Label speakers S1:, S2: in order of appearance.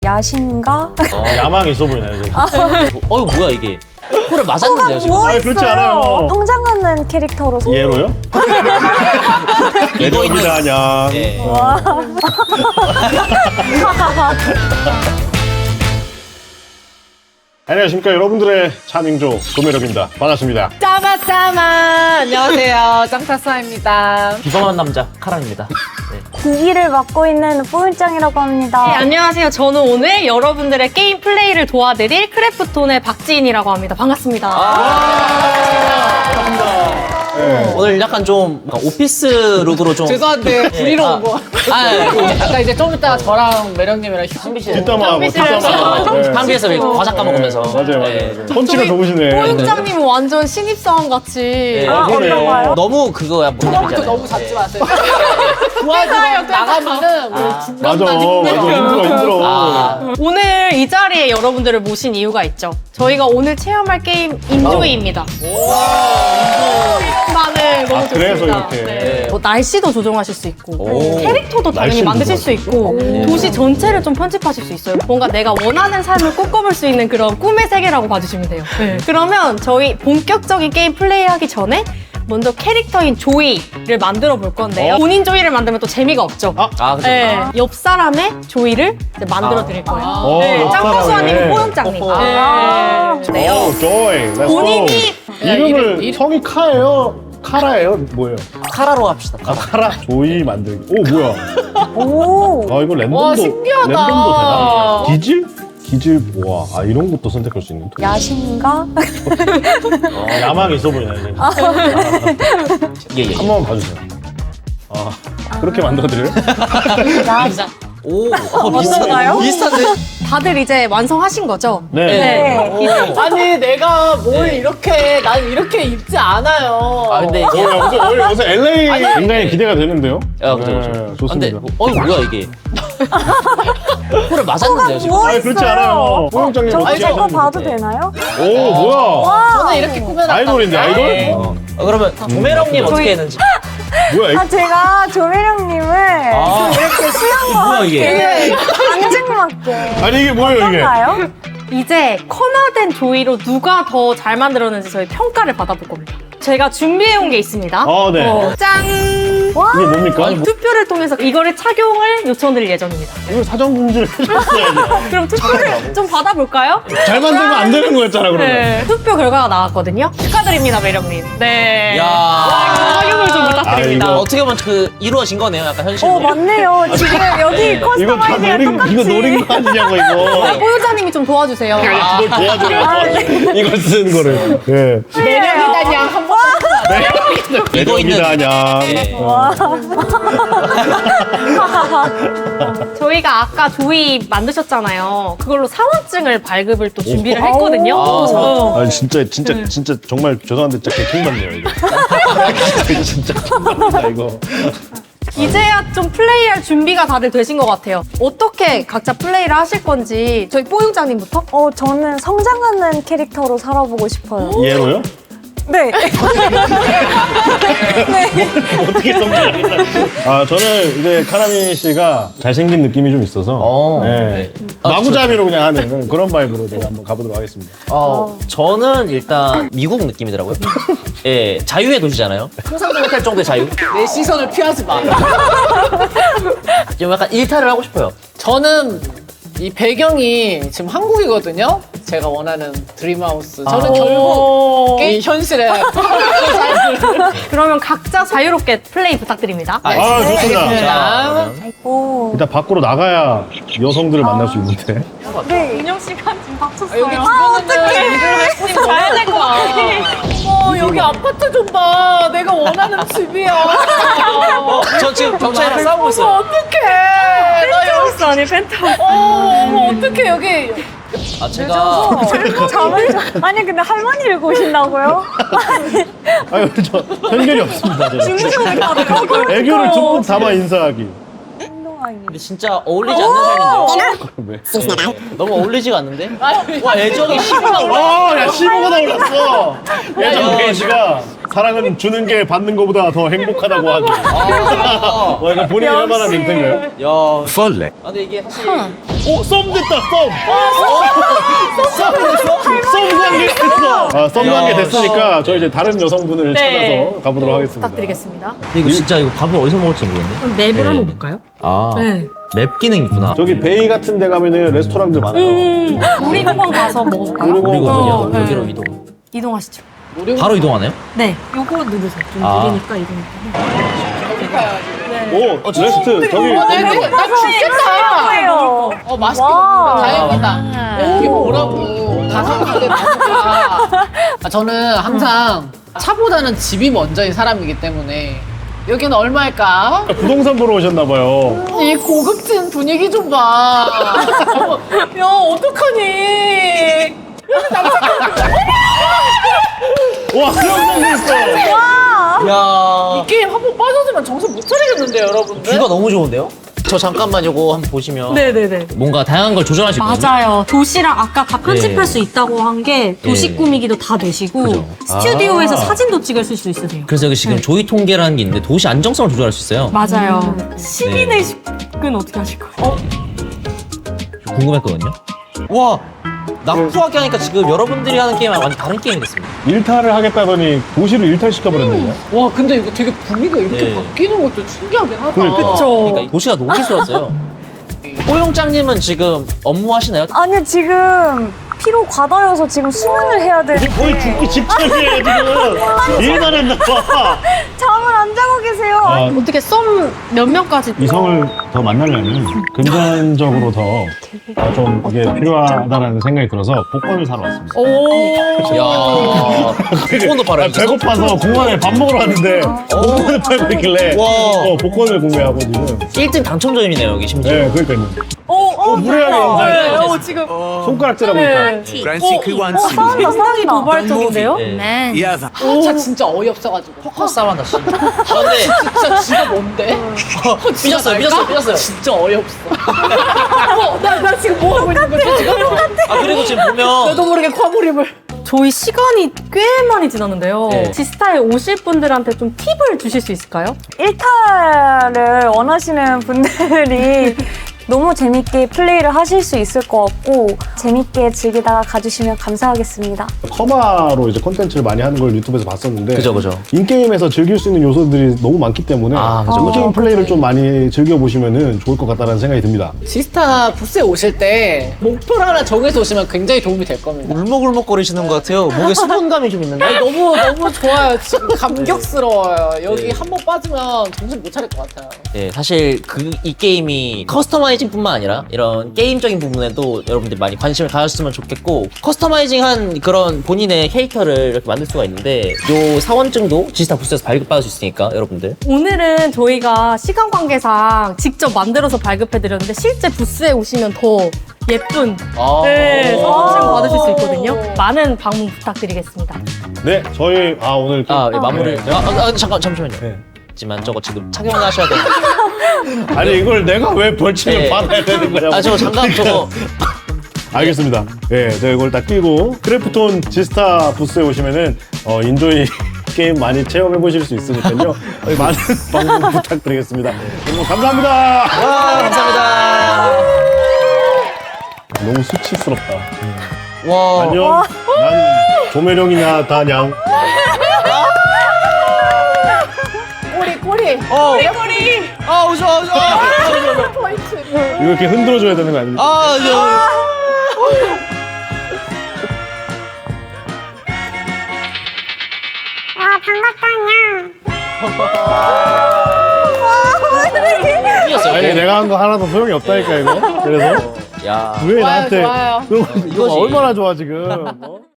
S1: 야신가?
S2: 야망 있어 보이네요.
S3: 이거 뭐야 이게? 코를 맞았는데요 지금?
S1: 뭐
S2: 그렇지 않아요.
S1: 성장하는 캐릭터로
S2: 얘로요?
S3: 이거
S2: 아냐.
S3: 예.
S2: 안녕하십니까 여러분들의 차밍조 도매력입니다. 반갑습니다.
S4: 짜마짜마 안녕하세요 짱타사입니다.
S3: 비범한 남자 카랑입니다. 네.
S1: 기기를 맡고 있는 뽀윤짱이라고 합니다.
S5: 네, 안녕하세요. 저는 오늘 여러분들의 게임 플레이를 도와드릴 크래프톤의 박지인이라고 합니다. 반갑습니다.
S3: 오늘 약간 좀 오피스 룩으로 좀
S4: 죄송한데 부리러
S3: 아.
S4: 온 거.
S3: 아,
S4: 아까 이제 좀 이따 저랑 매력님이랑
S2: 뒷담화 뭐
S3: 한비에서 과자 까먹으면서
S2: 맞아요.
S3: 네.
S2: 펀치가 좋으시네.
S5: 뽀용장님은 완전 신입사원 같이.
S3: 네.
S1: 어떤가요?
S3: 너무 그거야
S4: 처음부터 너무 잡지 마세요. 도와주러 나가면은 뭐
S2: 맞아. 힘들어.
S3: 아,
S5: 오늘 이 자리에 여러분들을 모신 이유가 있죠. 저희가 오늘 체험할 게임 인조이입니다. 많은 너무
S2: 그래서
S5: 좋습니다.
S2: 이렇게.
S5: 네. 뭐 날씨도 조정하실 수 있고
S3: 오.
S5: 캐릭터도 당연히
S2: 날씨도
S5: 만드실 수 있고 도시 전체를 좀 편집하실 수 있어요. 뭔가 내가 원하는 삶을 꿈꿔볼 수 있는 그런 꿈의 세계라고 봐주시면 돼요. 그러면 저희 본격적인 게임 플레이하기 전에 먼저 캐릭터인 조이를 만들어 볼 건데요. 본인 조이를 만들면 또 재미가 없죠.
S3: 그죠.
S5: 네, 옆 사람의 조이를 이제 만들어 드릴 거예요. 네,
S2: 옆
S5: 짱구수
S2: 사람의.
S5: 아니고 뽀용짱님. 네.
S2: 오, 조이.
S5: 본인이
S2: 이름을 성이 카예요? 카라예요? 뭐예요?
S3: 카라로 합시다.
S2: 카라. 조이 만들기. 오, 뭐야?
S1: 오.
S2: 아, 이거 랜덤도
S4: 와, 신기하다.
S2: 랜덤도 되나? 기질? 기질 와, 이런 것도 선택할 수 있는.
S1: 야신가?
S2: 야망 있어 보이네.
S3: 예.
S2: 한번 봐주세요. 그렇게 만들어드려요?
S3: 오,
S1: 어떤가요?
S3: 비슷한데?
S5: 다들 이제 완성하신 거죠?
S2: 네.
S5: 네.
S4: 아니 내가 뭘 이렇게 난 이렇게 입지 않아요.
S3: 아 근데 이게
S2: 요새 LA 굉장히 기대가 되는데요.
S3: 야, 그죠.
S2: 네,
S3: 근데
S2: 좋습니다.
S3: 이거 뭐야 이게? 코를 맞았는데요 지금?
S1: 뭐
S2: 그렇지
S1: 있어요?
S2: 않아요. 뽀용장님
S1: 저거
S2: 어떻게
S1: 저거
S2: 하셨는데?
S1: 봐도 되나요?
S2: 오, 뭐야?
S4: 저는 이렇게 꾸며놨다.
S2: 아이돌인데, 아이돌?
S1: 네.
S3: 그러면 조매령님 어떻게 했는지?
S2: 뭐야, 이거?
S1: 제가 조매령님을 좀 이렇게 수영과
S3: 뭐야, 이게?
S1: 되게 앙증맞게
S2: 아니, 이게 뭐예요, 이게?
S1: 어떤가요?
S5: 이제 커나된 조이로 누가 더 잘 만들었는지 저희 평가를 받아볼 겁니다. 제가 준비해온 게 있습니다.
S2: 네.
S5: 짠!
S2: 이게 뭡니까?
S5: 투표를 통해서 이거를 착용을 요청드릴 예정입니다.
S2: 이거 사전 공지를 해줬어야지.
S5: 그럼 투표를 좀 받아볼까요?
S2: 잘 만들면 안 되는 거였잖아, 그러면.
S5: 네. 투표 결과가 나왔거든요. 축하드립니다, 매력님. 네.
S3: 야.
S5: 착용을 좀 부탁드립니다.
S2: 이거
S3: 어떻게 보면 그 이루어진 거네요, 약간 현실로.
S1: 맞네요. 지금 여기
S2: 이거
S1: 커스텀
S2: 다
S1: 아이디가
S2: 노린,
S1: 똑같이.
S2: 이거 노린 거 아니냐고, 이거.
S5: 보유자님이 좀 도와주세요.
S2: 이걸 도와줘요. 이걸 쓰는 거를. 예.
S4: 매력이다냐 한번
S3: 이거 있는
S2: 매력이다냐.
S3: 네.
S5: 저희가 아까 조이 만드셨잖아요. 그걸로 사원증을 발급을 또 준비를 했거든요.
S2: 아, 진짜 정말 죄송한데 진짜 개킹받네요, 이거. 진짜 킹받다, 이거.
S5: 이제야 좀 플레이할 준비가 다들 되신 것 같아요. 어떻게 각자 플레이를 하실 건지 저희 뽀용장님부터?
S1: 저는 성장하는 캐릭터로 살아보고 싶어요.
S2: 얘로요?
S1: 네.
S2: 어떻게 성장하겠다. 저는 이제 카라미 씨가 잘생긴 느낌이 좀 있어서. 네. 마구잡이로 그냥 하는 그런 바이브로 제가 한번 가보도록 하겠습니다.
S3: 저는 일단 미국 느낌이더라고요. 예, 자유의 도시잖아요. 상상도 못할 정도의 자유.
S4: 내 시선을 피하지 마.
S3: 좀 약간 일탈을 하고 싶어요.
S4: 저는 이 배경이 지금 한국이거든요. 제가 원하는 드림하우스. 저는 결국 이 현실에
S5: 그러면 각자 자유롭게 플레이 부탁드립니다.
S2: 좋습니다.
S4: 자,
S1: 오.
S2: 일단 밖으로 나가야 여성들을 만날 수 있는데.
S1: 네.
S5: 운영 시간 지금 맞췄어요.
S4: 여기 주변에는 일을 할 수 있는
S5: 가야 될 것 같아.
S4: 여기 아파트 좀 봐. 내가 원하는 집이야.
S3: 저 지금 경찰이랑 싸우고 있어요.
S4: 어떡해. 나 여기
S5: 펜트하우스 아니 펜트하우스.
S4: 어떡해 여기.
S3: 제가
S1: 잠을 아니 근데 할머니를 보신다고요?
S2: 아유, 저 편견이 없습니다. 저는.
S1: 주무셔도
S2: 애교를 듬뿍 담아 인사하기.
S1: 행동하기.
S3: 근데 진짜 어울리지 않는 삶인데요?
S2: 왜?
S3: 너무 어울리지 않는데? 와, 애정이 심하다.
S2: 야, 15가 나올랐어. 예전 게이지가 사랑은 주는 게 받는 것보다 더 행복하다고 하기. 와, 이거 본인이 할 만한
S1: 역시.
S2: 멘트인가요?
S3: 야, 펄레. 아, 근데 이게 사실
S2: 썸 됐다, 썸 관계 됐어. 아, 썸 관계 됐으니까 저희 이제 다른 여성분을
S5: 네.
S2: 찾아서 가보도록 하겠습니다.
S5: 부탁드리겠습니다.
S3: 근데 이거 진짜 이거 밥을 어디서 먹을지 모르겠네.
S5: 그럼 맵을
S3: 네.
S5: 한번 볼까요?
S3: 아,
S5: 네.
S3: 맵 기능 있구나.
S2: 저기 베이 같은 데 가면은 레스토랑들 많아요.
S5: 우리 한번 가서 먹어볼까요?
S2: 그리고
S3: 그리고
S5: 어,
S3: 그냥
S5: 네.
S3: 여기로 이동.
S5: 이동하시죠.
S3: 바로 이동하네요?
S5: 네. 요거 누르세요. 좀
S3: 아.
S5: 느리니까 이동할게요.
S2: 오, 레스트 저기
S4: 네네. 나 죽겠다.
S1: 거예요.
S4: 맛있게
S1: 와.
S4: 먹는다. 다행이다. 이게 뭐라고. 가성비에 나오니까. 저는 항상 차보다는 집이 먼저인 사람이기 때문에 여기는 얼마일까?
S2: 부동산 보러 오셨나 봐요.
S4: 이 고급진 분위기 좀 봐. 야, 어떡하니?
S2: 와, 수영장 있어.
S3: 야
S4: 이 게임 한 번 빠져들면 정신 못 차리겠는데요, 여러분들?
S3: 뷰가 너무 좋은데요? 저 잠깐만 요거 한번 보시면
S5: 네네네.
S3: 뭔가 다양한 걸 조절할 수 있거든요.
S5: 맞아요. 도시랑 아까 다 편집할
S3: 네.
S5: 수 있다고 한 게 도시
S3: 네.
S5: 꾸미기도 다 되시고
S3: 그죠.
S5: 스튜디오에서
S2: 아.
S5: 사진도 찍을 수 있으세요.
S3: 그래서 여기 지금 조이 통계라는 게 있는데 도시 안정성을 조절할 수 있어요.
S5: 맞아요. 시민의 식은 어떻게 하실 거예요?
S3: 궁금했거든요. 와, 낙후하게 하니까 지금 여러분들이 하는 게임이랑 완전 다른 게임이 됐습니다.
S2: 일탈을 하겠다더니 도시를 일탈시켜버렸네요.
S4: 와, 근데 이거 되게 분위기가 이렇게
S3: 네.
S4: 바뀌는 것도 신기하긴 하다.
S2: 그러니까.
S3: 그러니까 이 도시가 너무 촌스러웠어요. 호용장님은 지금 업무 하시나요?
S1: 아니 지금 피로 과다여서 지금 수면을 해야 돼.
S2: 거의 죽기 직전이에요, 지금. 일만 했나 봐.
S1: 잠을 안 자고 계세요.
S2: 아,
S5: 어떻게 썸 몇 명까지?
S2: 이성을 더 만나려면 금전적으로 더 좀 이게 필요하다는 생각이 들어서 복권을 사러 왔습니다.
S3: 야, 복권도 팔아요.
S2: 아, 배고파서 공원에 밥 먹으러 왔는데 복권을 팔고 있길래
S3: 와.
S2: 복권을 구매하고 지금.
S3: 1등 당첨자님이네요, 여기 심지어.
S2: 네, 그러니까요. 무례하게 영상
S5: 지금
S2: 손가락질하고 있다.
S5: 상당히 도발적인데요?
S3: 네.
S4: 차 진짜 어이없어가지고.
S3: 포커 싸움한다, 씨. 근데
S4: 진짜 지가 뭔데?
S3: 삐졌어요.
S4: 진짜 어이없어. 나 지금 뭐 하고 있는 거지, 지금?
S3: 아, 그리고 지금 보면
S4: 나도 모르게 과몰입을.
S5: 저희 시간이 꽤 많이 지났는데요.
S3: 네.
S5: 지스타에 오실 분들한테 좀 팁을 주실 수 있을까요?
S1: 일탈을 원하시는 분들이 너무 재밌게 플레이를 하실 수 있을 것 같고 재밌게 즐기다가 가주시면 감사하겠습니다.
S2: 커마로 이제 콘텐츠를 많이 하는 걸 유튜브에서 봤었는데
S3: 그죠.
S2: 인게임에서 즐길 수 있는 요소들이 너무 많기 때문에
S3: 아, 그죠.
S2: 인게임 플레이를 좀 많이 즐겨보시면 좋을 것 같다는 생각이 듭니다.
S4: 지스타 부스에 오실 때 목표를 하나 정해서 오시면 굉장히 도움이 될 겁니다.
S3: 울먹울먹거리시는 것 같아요. 목에 수분감이 좀 있는데.
S4: 아니, 너무 좋아요. 지금 감격스러워요. 여기 한 번 빠지면 정신 못 차릴 것 같아요.
S3: 네, 사실 이 게임이 커스터마이징뿐만 아니라 이런 게임적인 부분에도 여러분들 많이 관심을 가졌으면 좋겠고 커스터마이징한 그런 본인의 캐릭터를 이렇게 만들 수가 있는데 요 사원증도 지스타 부스에서 발급받을 수 있으니까 여러분들
S5: 오늘은 저희가 시간 관계상 직접 만들어서 발급해드렸는데 실제 부스에 오시면 더 예쁜 사원증 받으실 수 있거든요. 많은 방문 부탁드리겠습니다.
S2: 네, 저희 오늘 좀-
S3: 예, 마무리.
S2: 네.
S3: 잠시만요.
S2: 네.
S3: 하지만 저거 지금 착용을 하셔야 돼요.
S2: 아니 이걸 내가 왜 벌칙을
S3: 네.
S2: 받아야 되는 거냐고.
S3: 저 장갑 저거.
S2: 알겠습니다. 네, 제가 이걸 딱 끼고 크래프톤 지스타 부스에 오시면은 인조이 게임 많이 체험해 보실 수 있으니까요. 많은 방문 부탁드리겠습니다. 너무 감사합니다.
S3: 와, 감사합니다.
S2: 너무 수치스럽다.
S3: 와.
S2: 안녕. 난 조매령이냐 다냥.
S4: 꼬리.
S3: 아, 오죠.
S2: 이거 이렇게 흔들어줘야 되는 거 아닙니까?
S3: 아, 이겼어요.
S2: 아니 내가 한 거 하나도 소용이 없다니까 이거. 그래서
S3: 야.
S2: 왜 나한테
S4: 좋아요.
S2: 이거
S3: 이거지.
S2: 얼마나 좋아 지금.